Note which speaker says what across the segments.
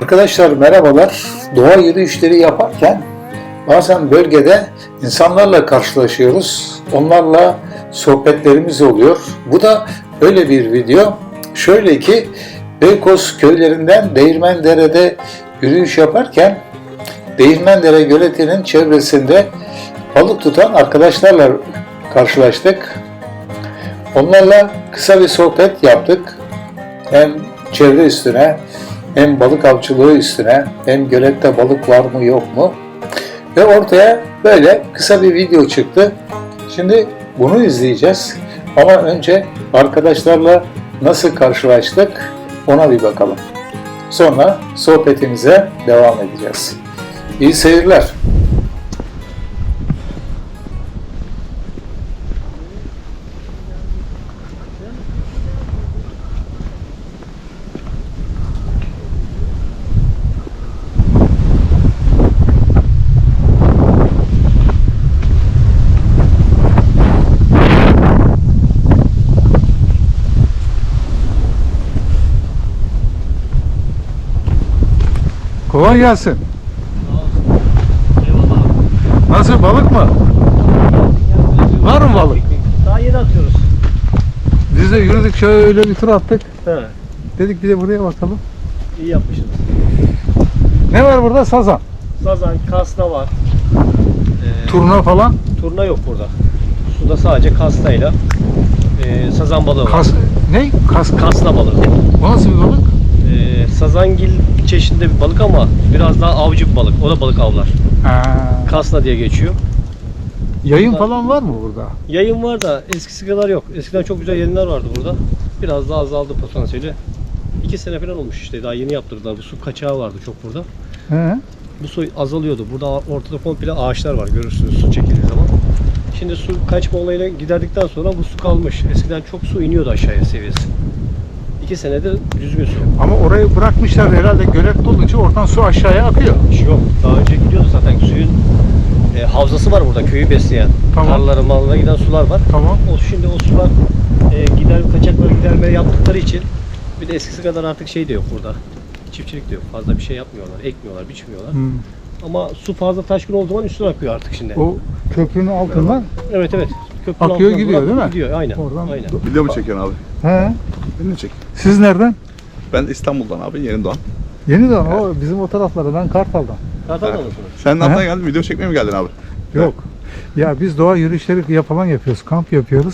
Speaker 1: Arkadaşlar merhabalar. Doğa yürüyüşleri yaparken bazen bölgede insanlarla karşılaşıyoruz. Onlarla sohbetlerimiz oluyor. Bu da öyle bir video. Şöyle ki Beykoz köylerinden Değirmendere'de yürüyüş yaparken Değirmendere Göleti'nin çevresinde balık tutan arkadaşlarla karşılaştık. Onlarla kısa bir sohbet yaptık. Hem çevre üstüne, hem balık avcılığı üstüne, hem gölette balık var mı yok mu? Ve ortaya böyle kısa bir video çıktı. Şimdi bunu izleyeceğiz. Ama önce arkadaşlarla nasıl karşılaştık ona bir bakalım. Sonra sohbetimize devam edeceğiz. İyi seyirler. Kolay gelsin. Nasıl, balık mı? Var mı balık?
Speaker 2: Daha yeni atıyoruz.
Speaker 1: Biz de yürüdük, şöyle bir tur attık.
Speaker 2: He,
Speaker 1: Dedik bir de buraya bakalım.
Speaker 2: iyi yapmışsınız.
Speaker 1: Ne var burada? Sazan.
Speaker 2: Sazan, kasna var.
Speaker 1: Turna falan.
Speaker 2: Turna yok burada. Suda sadece kasnayla sazan balığı var.
Speaker 1: Ne?
Speaker 2: Kasna balığı.
Speaker 1: O nasıl bir balık?
Speaker 2: Sazangil çeşidinde bir balık ama biraz daha avcı bir balık. O da balık avlar. Kasna diye geçiyor.
Speaker 1: Yayın falan var mı burada?
Speaker 2: Yayın var da eskisi kadar yok. Eskiden çok güzel yayınlar vardı burada. Biraz daha azaldı potansiyeli. 2 sene falan olmuş işte. Daha yeni yaptırdılar. Bu su kaçağı vardı çok burada.
Speaker 1: He.
Speaker 2: Bu su azalıyordu. Burada ortada komple ağaçlar var. Görürsünüz su çekildiği zaman. Şimdi su kaçma olayına giderdikten sonra bu su kalmış. Eskiden çok su iniyordu aşağıya seviyesi. 2 senedir düzgün su.
Speaker 1: Ama orayı bırakmışlar herhalde, gölet dolunca oradan su aşağıya akıyor.
Speaker 2: Yok. Daha önce gidiyordu zaten suyun havzası var burada köyü besleyen.
Speaker 1: Tamam.
Speaker 2: Tarlalara, mallara giden sular var.
Speaker 1: Tamam.
Speaker 2: Şimdi o sular kaçakları gidermeye yaptıkları için bir de eskisi kadar artık şey de yok burada. Çiftçilik de yok. Fazla bir şey yapmıyorlar. Ekmiyorlar, biçmiyorlar. Ama su fazla taşkın olduğu zaman üstüne akıyor artık şimdi.
Speaker 1: O köprünün altından
Speaker 2: Evet. Köprünün
Speaker 1: akıyor,
Speaker 2: altından
Speaker 1: gidiyor değil mi?
Speaker 2: Gidiyor aynen.
Speaker 1: Oradan.
Speaker 2: Aynen.
Speaker 3: Video mu çekiyorsun abi?
Speaker 1: He.
Speaker 3: Beni de çek.
Speaker 1: Siz nereden?
Speaker 3: Ben İstanbul'dan abi, Yeni Doğan.
Speaker 1: Yeniden o bizim o taraflarda, ben Kartal'dan.
Speaker 2: Kartal'da mısınız?
Speaker 3: Sen
Speaker 1: Aha.
Speaker 3: nereden geldin? Video çekmeye mi geldin abi?
Speaker 1: Yok. Ya biz doğa yürüyüşleri falan yapıyoruz, kamp yapıyoruz.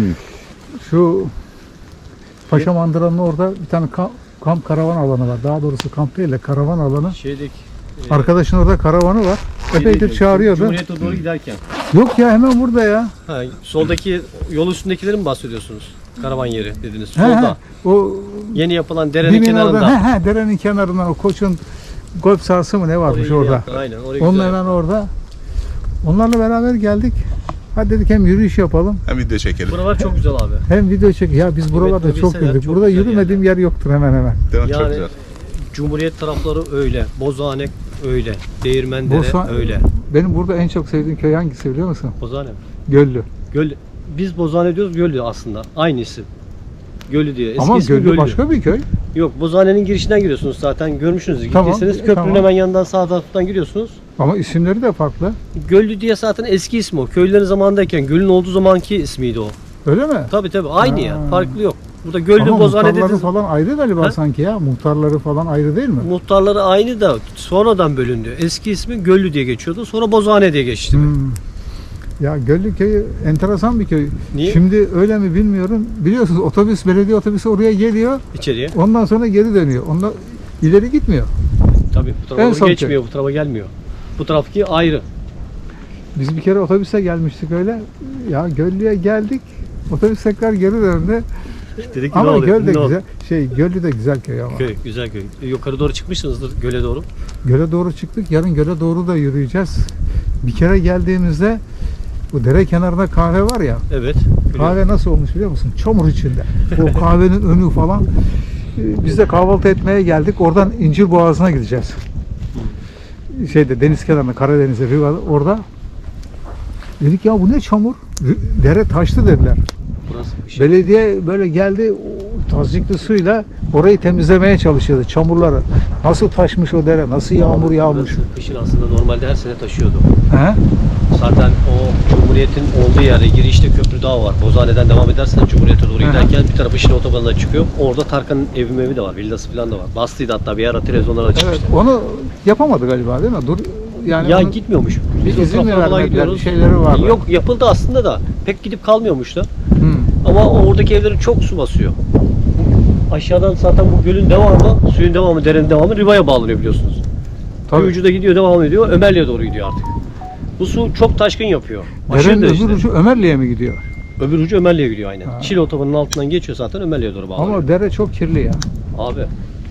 Speaker 1: Şu Paşa Mandıra'nın orada bir tane kamp karavan alanı var. Daha doğrusu kamp değil de karavan alanı. Arkadaşın orada karavanı var. Epeydir çağırıyordu.
Speaker 2: Cumhuriyet'e doğru giderken.
Speaker 1: Yok ya, hemen burada ya.
Speaker 2: Ha, soldaki yol üstündekileri mi bahsediyorsunuz? Karavan yeri dediniz.
Speaker 1: He,
Speaker 2: Solda.
Speaker 1: o
Speaker 2: Yeni yapılan derenin
Speaker 1: dibin
Speaker 2: kenarında.
Speaker 1: orada, derenin kenarından o Koç'un golf sahası mı ne varmış
Speaker 2: Orayı
Speaker 1: orada.
Speaker 2: yaptı, aynen. Orayı
Speaker 1: Onun
Speaker 2: güzel
Speaker 1: hemen
Speaker 2: yaptı.
Speaker 1: orada. Onlarla beraber geldik. Hadi dedik hem yürüyüş yapalım,
Speaker 3: Hem video çekelim.
Speaker 2: Buralar çok güzel abi.
Speaker 1: hem video çek. Ya biz buralarda
Speaker 2: Evet,
Speaker 1: çok
Speaker 2: bilseler
Speaker 1: yürüdük.
Speaker 2: çok
Speaker 1: Burada
Speaker 2: güzel
Speaker 1: yürümediğim yer yoktur hemen hemen.
Speaker 3: Değil mi? Çok
Speaker 2: Yani
Speaker 3: güzel.
Speaker 2: Cumhuriyet tarafları öyle. Bozane öyle. Değirmendere öyle.
Speaker 1: Benim burada en çok sevdiğim köy hangisi biliyor musun?
Speaker 2: Bozane mi?
Speaker 1: Göllü.
Speaker 2: Göl. Biz Bozane diyoruz, Göllü aslında. Aynı isim. Göllü diyor. Eski
Speaker 1: Ama
Speaker 2: ismi
Speaker 1: Göllü
Speaker 2: Göllü.
Speaker 1: başka bir köy.
Speaker 2: Yok, Bozane'nin girişinden giriyorsunuz zaten. Görmüşsünüz.
Speaker 1: Tamam,
Speaker 2: Gittiyseniz köprünün
Speaker 1: tamam.
Speaker 2: hemen yanından sağ taraftan giriyorsunuz.
Speaker 1: Ama isimleri de farklı.
Speaker 2: Göllü diye zaten eski ismi o. Köylülerin zamanındayken gölün olduğu zamanki ismiydi o.
Speaker 1: Öyle mi?
Speaker 2: Tabii aynı
Speaker 1: Ha.
Speaker 2: ya. Farklı yok. Burada Göllü
Speaker 1: Ama
Speaker 2: Bozane
Speaker 1: muhtarları
Speaker 2: dediniz.
Speaker 1: falan ayrı galiba
Speaker 2: Ha?
Speaker 1: sanki ya. Muhtarları falan ayrı değil mi?
Speaker 2: Muhtarları aynı da sonradan bölündü. Eski ismi Göllü diye geçiyordu. Sonra Bozane diye geçti.
Speaker 1: Ya Göllü köyü enteresan bir köy.
Speaker 2: Niye?
Speaker 1: Şimdi öyle mi bilmiyorum. Biliyorsunuz belediye otobüsü oraya geliyor.
Speaker 2: İçeriye.
Speaker 1: Ondan sonra geri dönüyor. Ondan ileri gitmiyor.
Speaker 2: Tabii bu
Speaker 1: En
Speaker 2: tarafa
Speaker 1: son
Speaker 2: geçmiyor. Bu tarafa gelmiyor. Bu taraftaki ayrı.
Speaker 1: Biz bir kere otobüse gelmiştik öyle. Ya Göllü'ye geldik. Otobüs tekrar geri döndü.
Speaker 2: Dedik ki
Speaker 1: Ama
Speaker 2: ne oluyor?
Speaker 1: Göl de
Speaker 2: Ne oldu?
Speaker 1: güzel. Göllü de güzel köy ama.
Speaker 2: Köy, güzel köy. Yukarı doğru çıkmışsınızdır göle doğru.
Speaker 1: Göle doğru çıktık. Yarın göle doğru da yürüyeceğiz. Bir kere geldiğimizde bu dere kenarında kahve var ya.
Speaker 2: Evet.
Speaker 1: Kahve nasıl olmuş biliyor musun? Çamur içinde. O kahvenin önü falan. Biz de kahvaltı etmeye geldik. Oradan İncir Boğazı'na gideceğiz. Deniz kenarında, Karadeniz'e bir var orada. Dedik ya bu ne çamur? Dere taştı dediler.
Speaker 2: Burası bir şey.
Speaker 1: Belediye böyle geldi, tazikli suyla orayı temizlemeye çalışıyordu, çamurları. Nasıl taşmış o dere, nasıl yağmur yağmış.
Speaker 2: Burası kışın aslında normalde her sene taşıyordu.
Speaker 1: He?
Speaker 2: Zaten o Cumhuriyet'in olduğu yerde girişte köprü daha var. Bozhane'den devam edersen Cumhuriyet'e doğru giderken bir tarafı Şile Otobanı'na çıkıyor. Orada Tarkan'ın evi de var, villası falan da var. Bastıydı hatta bir ara televizyonlara
Speaker 1: Evet,
Speaker 2: çıkmıştı.
Speaker 1: onu yapamadı galiba değil mi? Yani
Speaker 2: Ya
Speaker 1: onun
Speaker 2: gitmiyormuş.
Speaker 1: bir
Speaker 2: o
Speaker 1: izin mi
Speaker 2: taraflara falan
Speaker 1: vermediler, bir şeyleri vardı.
Speaker 2: Yok, yapıldı aslında da pek gidip kalmıyormuş da.
Speaker 1: Hı.
Speaker 2: Ama oradaki evleri çok su basıyor. Aşağıdan zaten bu gölün devamı, suyun devamı, derenin devamı Riva'ya bağlanıyor biliyorsunuz.
Speaker 1: Tabii.
Speaker 2: Bir ucu da gidiyor, devam ediyor. Ömerli'ye doğru gidiyor artık. Bu su çok taşkın yapıyor. Aşırı
Speaker 1: Derenin
Speaker 2: derecede.
Speaker 1: öbür ucu Ömerli'ye mi gidiyor?
Speaker 2: Öbür ucu Ömerli'ye gidiyor aynen.
Speaker 1: Ha.
Speaker 2: Şile Otobanı'nın altından geçiyor zaten, Ömerli'ye doğru bağlanıyor.
Speaker 1: Ama dere çok kirli ya.
Speaker 2: Abi.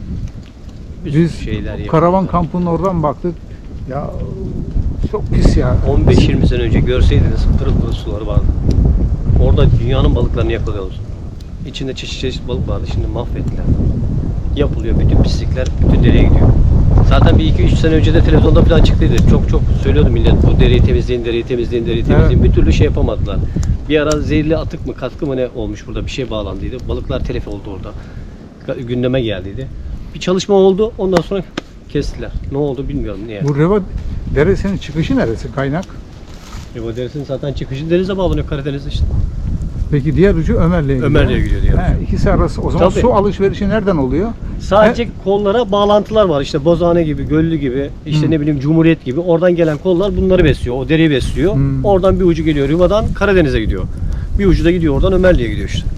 Speaker 2: Bir sürü
Speaker 1: Biz
Speaker 2: şeyler yapıyor.
Speaker 1: karavan kampının oradan baktık. Ya çok pis ya.
Speaker 2: 15-20 sene önce görseydiniz pırıl pırıl suları vardı. Orada dünyanın balıklarını yakalıyoruz. İçinde çeşit çeşit balık vardı, şimdi mahvettiler. Yapılıyor, bütün pislikler bütün dereye gidiyor. Zaten bir 2-3 sene önce de televizyonda falan çıktıydı. Çok söylüyordu millet, bu dereyi temizleyin, dereyi temizleyin, dereyi temizleyin. Bir türlü şey yapamadılar. Bir ara zehirli atık mı, katkı mı ne olmuş burada, bir şey bağlandıydı. Balıklar telef oldu orada. Gündeme geldiydi. Bir çalışma oldu, ondan sonra kestiler. Ne oldu bilmiyorum niye.
Speaker 1: Bu Reva deresinin çıkışı neresi, kaynak?
Speaker 2: Reva Deresi'nin zaten çıkışı denize bağlanıyor, Karadeniz'de işte.
Speaker 1: Peki diğer ucu Ömerli'ye gidiyor.
Speaker 2: Ömerli'ye gidiyor diğer ucu.
Speaker 1: İkisi arası. O zaman
Speaker 2: Tabii.
Speaker 1: su alışverişi nereden oluyor?
Speaker 2: Sadece kollara bağlantılar var. İşte Bozhane gibi, Göllü gibi, işte ne bileyim Cumhuriyet gibi. Oradan gelen kollar bunları besliyor. O dereyi besliyor. Oradan bir ucu geliyor Riva'dan Karadeniz'e gidiyor. Bir ucu da gidiyor oradan Ömerli'ye gidiyor işte.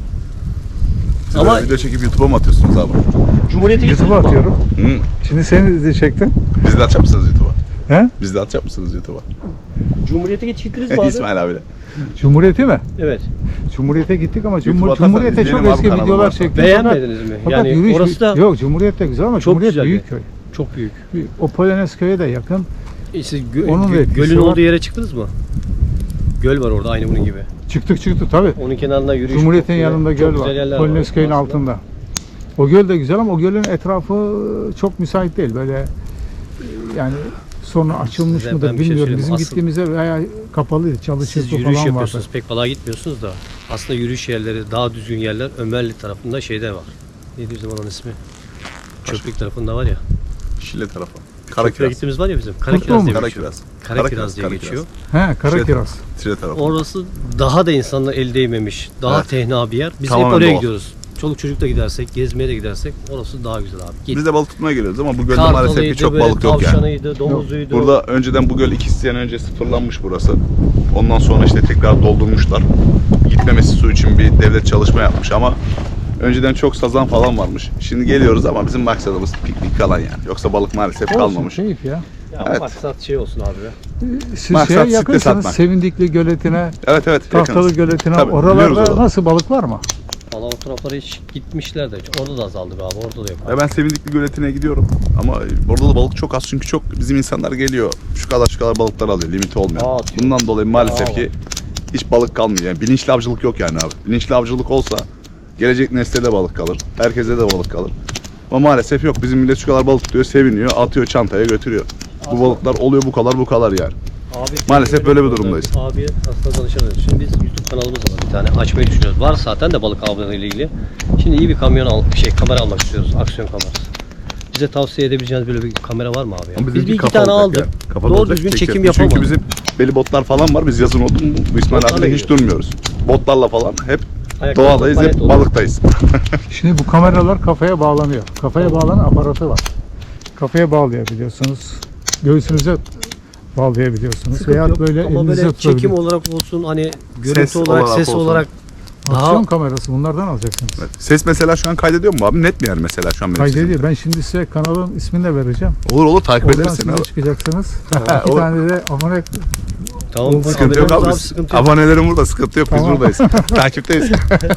Speaker 3: Siz
Speaker 2: Ama-
Speaker 3: böyle video çekip YouTube'a mı atıyorsunuz abi?
Speaker 2: Cumhuriyet'e
Speaker 1: YouTube'a
Speaker 2: gidiyor.
Speaker 1: atıyorum.
Speaker 3: Hı.
Speaker 1: Şimdi seni de çektim.
Speaker 3: Biz de atacak mısınız YouTube'a?
Speaker 1: He?
Speaker 3: Biz de atacak mısınız YouTube'a?
Speaker 2: Cumhuriyet'e gittiniz mi abi?
Speaker 3: İsmail abiyle.
Speaker 1: Cumhuriyeti mi?
Speaker 2: Evet.
Speaker 1: Cumhuriyet'e gittik ama
Speaker 3: YouTube'a atarsan
Speaker 1: Cumhuriyet'e çok
Speaker 3: izleyelim abi,
Speaker 1: eski
Speaker 3: kanalı
Speaker 1: videolar
Speaker 3: varsa.
Speaker 1: çektik.
Speaker 2: Beğenmediniz mi?
Speaker 1: Fakat
Speaker 2: Yani
Speaker 1: yürüyüş,
Speaker 2: orası da
Speaker 1: yok Cumhuriyet de güzel ama
Speaker 2: çok
Speaker 1: Cumhuriyet
Speaker 2: güzel
Speaker 1: büyük
Speaker 2: bir-
Speaker 1: köy.
Speaker 2: çok büyük.
Speaker 1: O Polonez köye de yakın.
Speaker 2: İşte
Speaker 1: Onun da etkisi
Speaker 2: gölün
Speaker 1: var.
Speaker 2: olduğu yere çıktınız mı? Göl var orada aynı bunun gibi.
Speaker 1: Çıktık tabii.
Speaker 2: Onun kenarında yürüyüş.
Speaker 1: Cumhuriyet'in
Speaker 2: çok
Speaker 1: yanında
Speaker 2: güzel
Speaker 1: göl var.
Speaker 2: yerler
Speaker 1: Polonez köyün
Speaker 2: aslında.
Speaker 1: altında. O göl de güzel ama o gölün etrafı çok müsait değil. Böyle yani sonra açılmış
Speaker 2: Size
Speaker 1: mıdır
Speaker 2: ben bir şey
Speaker 1: bilmiyorum.
Speaker 2: söyleyeyim.
Speaker 1: Bizim gittiğimizde bayağı kapalıydı.
Speaker 2: Siz
Speaker 1: Çalışırdı
Speaker 2: yürüyüş
Speaker 1: falan vardı.
Speaker 2: yapıyorsunuz, pek balığa gitmiyorsunuz da aslında yürüyüş yerleri, daha düzgün yerler Ömerli tarafında şeyde var. Neydi bizim onun ismi? Çöplük tarafında var ya.
Speaker 3: Şile tarafı.
Speaker 2: Köprüye
Speaker 3: Karakiraz.
Speaker 2: gittiğimiz var ya bizim.
Speaker 1: Mutlu
Speaker 2: Karakiraz
Speaker 1: mu?
Speaker 2: diye geçiyor.
Speaker 3: Karakiraz.
Speaker 2: Karakiraz diye geçiyor.
Speaker 1: He, Karakiraz.
Speaker 3: Şile tarafı.
Speaker 2: Orası daha da insanlar el değmemiş, daha
Speaker 3: Evet.
Speaker 2: tenha bir yer. Biz
Speaker 3: Tamamen
Speaker 2: hep oraya
Speaker 3: doğal.
Speaker 2: gidiyoruz. Çoluk çocuk da gidersek, gezmeye de gidersek orası daha güzel abi. Git.
Speaker 3: Biz de balık tutmaya geliyoruz ama bu gölde maalesef ki çok
Speaker 2: böyle
Speaker 3: balık yok yani.
Speaker 2: tavşanıydı, domuzuydu.
Speaker 3: Burada önceden bu göl 2 sene önce sıfırlanmış burası. Ondan sonra işte tekrar doldurmuşlar. Gitmemesi su için bir devlet çalışma yapmış ama önceden çok sazan falan varmış. Şimdi geliyoruz ama bizim maksadımız piknik falan yani. Yoksa balık maalesef kalmamış.
Speaker 1: Olsun, keyif ya.
Speaker 2: Ya
Speaker 3: Evet.
Speaker 2: maksat şey olsun abi ya.
Speaker 1: Siz
Speaker 3: Maksat
Speaker 1: şeye
Speaker 3: site
Speaker 1: yakınsınız.
Speaker 3: satmak.
Speaker 1: Sevindikli Göletine,
Speaker 3: Evet
Speaker 1: Tahtalı
Speaker 3: yakınız.
Speaker 1: Göletine.
Speaker 3: Tabii, biliyoruz
Speaker 1: Oralarda
Speaker 3: oraları.
Speaker 1: nasıl balık var mı?
Speaker 2: Valla o taraflara hiç gitmişler de orada da azaldı be abi, orada da yok.
Speaker 3: Ya ben Sevindikli Göleti'ne gidiyorum ama orada da balık çok az çünkü çok bizim insanlar geliyor. Şu kadar balıklar alıyor, limiti olmuyor.
Speaker 2: Atıyor.
Speaker 3: Bundan dolayı maalesef
Speaker 2: Aa,
Speaker 3: ki hiç balık kalmıyor. Yani bilinçli avcılık yok yani abi. Bilinçli avcılık olsa gelecek nesle de balık kalır. Herkese de balık kalır. Ama maalesef yok. Bizim millet şu kadar balık tutuyor, seviniyor, atıyor çantaya götürüyor. Bu balıklar oluyor bu kadar yani.
Speaker 2: Abi,
Speaker 3: Maalesef böyle bir durumdayız.
Speaker 2: Abi aslında danışamıyoruz. Şimdi biz YouTube kanalımız var bir tane. Açmayı düşünüyoruz. Var zaten de balık avları ile ilgili. Şimdi iyi bir kamera almak istiyoruz. Aksiyon kamerası. Bize tavsiye edebileceğiniz böyle bir kamera var mı abi? Ya?
Speaker 3: Ama
Speaker 2: Biz
Speaker 3: bizimki
Speaker 2: bir iki
Speaker 3: kapalı
Speaker 2: tane
Speaker 3: olacak
Speaker 2: aldık.
Speaker 3: ya. Kapalı
Speaker 2: Doğru
Speaker 3: olacak,
Speaker 2: düzgün
Speaker 3: çekelim.
Speaker 2: çekim yapamadık.
Speaker 3: Çünkü bizim belli botlar falan var. Biz yazın oldu mu bu İsmail
Speaker 2: Botlarla
Speaker 3: abiyle hiç
Speaker 2: gidiyoruz.
Speaker 3: durmuyoruz. Botlarla falan hep
Speaker 2: Ayakta
Speaker 3: doğadayız,
Speaker 2: bayat
Speaker 3: hep
Speaker 2: olur.
Speaker 3: balıktayız.
Speaker 1: Şimdi bu kameralar kafaya bağlanıyor. Kafaya bağlanan aparatı var. Kafaya bağlayabiliyorsunuz. Göğsünüze bağlayabiliyorsunuz.
Speaker 2: Sıkıntı
Speaker 1: Veya
Speaker 2: yok.
Speaker 1: böyle
Speaker 2: ama
Speaker 1: elinize
Speaker 2: böyle çekim
Speaker 1: tutabilir.
Speaker 2: olarak olsun, hani görüntü
Speaker 3: Ses
Speaker 2: olarak,
Speaker 3: olarak
Speaker 2: ses
Speaker 3: olsun.
Speaker 2: olarak
Speaker 1: Aksiyon
Speaker 2: daha
Speaker 1: kamerası bunlardan alacaksınız.
Speaker 3: Evet. Ses mesela şu an kaydediyor mu abi? Net mi yani mesela şu an benim sesim?
Speaker 1: Kaydediyor. Ben şimdi size kanalın ismini de vereceğim.
Speaker 3: Olur takip
Speaker 1: Oradan
Speaker 3: ederiz
Speaker 1: siz
Speaker 3: seni
Speaker 1: de
Speaker 3: abi.
Speaker 1: çıkacaksınız. İki
Speaker 3: O-
Speaker 1: tane de abone.
Speaker 2: tamam.
Speaker 3: Sıkıntı yok
Speaker 2: haberimiz
Speaker 3: abi.
Speaker 2: sıkıntı yok.
Speaker 3: Abonelerim burada, sıkıntı yok. Biz
Speaker 1: Tamam.
Speaker 3: buradayız. Takipteyiz.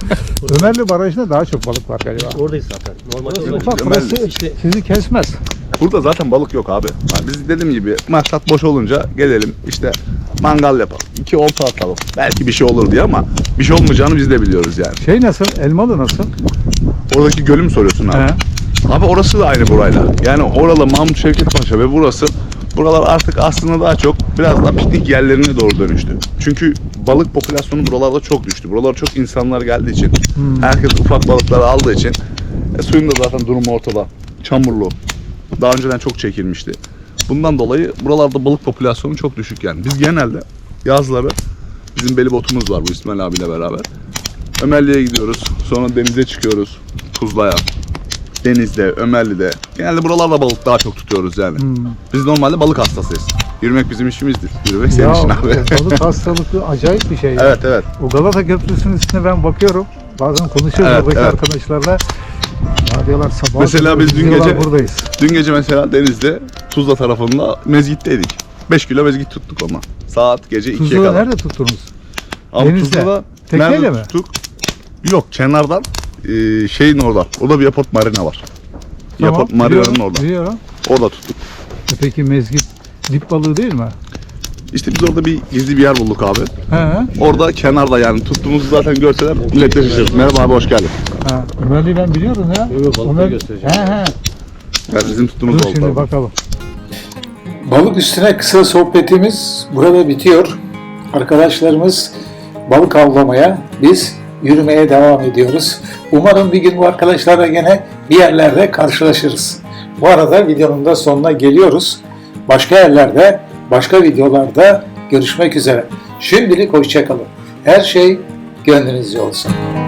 Speaker 1: Ömerli Barajı'nda daha çok balık var galiba.
Speaker 2: Oradayız zaten. Normalde
Speaker 1: Burası
Speaker 2: orada-
Speaker 1: ufak,
Speaker 3: Ömerli.
Speaker 1: burası
Speaker 2: İşte
Speaker 1: sizi kesmez.
Speaker 3: Burada zaten balık yok abi. Yani biz dediğim gibi maksat boş olunca gelelim işte mangal yapalım. 2 olta atalım. Belki bir şey olur diye ama bir şey olmayacağını biz de biliyoruz yani.
Speaker 1: Şey nasıl? Elmalı nasıl?
Speaker 3: Oradaki gölü mü soruyorsun abi?
Speaker 1: He.
Speaker 3: Abi orası da aynı burayla. Yani oralı Mahmut Şevket Paşa ve buralar artık aslında daha çok biraz daha piknik yerlerine doğru dönüştü. Çünkü balık popülasyonu buralarda çok düştü. Buralara çok insanlar geldiği için, herkes ufak balıkları aldığı için suyun da zaten durumu ortada. Çamurlu. Daha önceden çok çekilmişti. Bundan dolayı buralarda balık popülasyonu çok düşük yani. Biz genelde yazları bizim belibotumuz var bu İsmail abiyle beraber. Ömerli'ye gidiyoruz. Sonra denize çıkıyoruz. Tuzla'ya. Deniz'de, Ömerli'de. Genelde buralarda balık daha çok tutuyoruz yani. Biz normalde balık hastasıyız. Yürümek bizim işimizdir. Yürümek senin işin abi.
Speaker 4: Balık hastalıklı acayip bir şey.
Speaker 3: Evet evet.
Speaker 4: O Galata Köprüsü'nün üstüne ben bakıyorum. Bazen konuşuyoruz
Speaker 3: Evet,
Speaker 4: oradaki
Speaker 3: evet.
Speaker 4: arkadaşlarla. Ya diyorlar sabah
Speaker 3: Mesela biz dün
Speaker 4: diyorlar,
Speaker 3: gece
Speaker 4: buradayız.
Speaker 3: Dün gece mesela denizde Tuzla tarafında mezgitteydik. 5 kilo mezgit tuttuk ama. Saat gece 2'ye
Speaker 4: Tuzla'da
Speaker 3: kadar.
Speaker 4: nerede tuttunuz?
Speaker 3: Ama
Speaker 4: Denizde.
Speaker 3: Tuzla'da
Speaker 4: Tekneyle
Speaker 3: nerede
Speaker 4: mi?
Speaker 3: tuttuk? Yok, kenardan şeyin orada. Orada bir Yapot Marina var. Yapot Marina'nın
Speaker 4: biliyorum,
Speaker 3: orada.
Speaker 4: Biliyorum.
Speaker 3: Orada tuttuk.
Speaker 4: Peki mezgit dip balığı değil mi?
Speaker 3: İşte biz orada bir gizli bir yer bulduk abi.
Speaker 4: He.
Speaker 3: Orada kenarda yani tuttuğumuzu zaten görseler millet de şaşırır. Merhaba abi, hoş geldin.
Speaker 4: Ha. Ömerli'yi ben biliyorum ya.
Speaker 2: Yok, balıkları
Speaker 4: Ömer-
Speaker 2: göstereceğim.
Speaker 4: He.
Speaker 3: Yani bizim tuttuğumuz
Speaker 4: Dur
Speaker 3: oldu
Speaker 4: şimdi
Speaker 3: abi.
Speaker 4: bakalım.
Speaker 1: Balık üstüne kısa sohbetimiz burada bitiyor. Arkadaşlarımız balık avlamaya, biz yürümeye devam ediyoruz. Umarım bir gün bu arkadaşlarla gene bir yerlerde karşılaşırız. Bu arada videonun da sonuna geliyoruz. Başka yerlerde, başka videolarda görüşmek üzere. Şimdilik hoşça kalın. Her şey gönlünüzce olsun.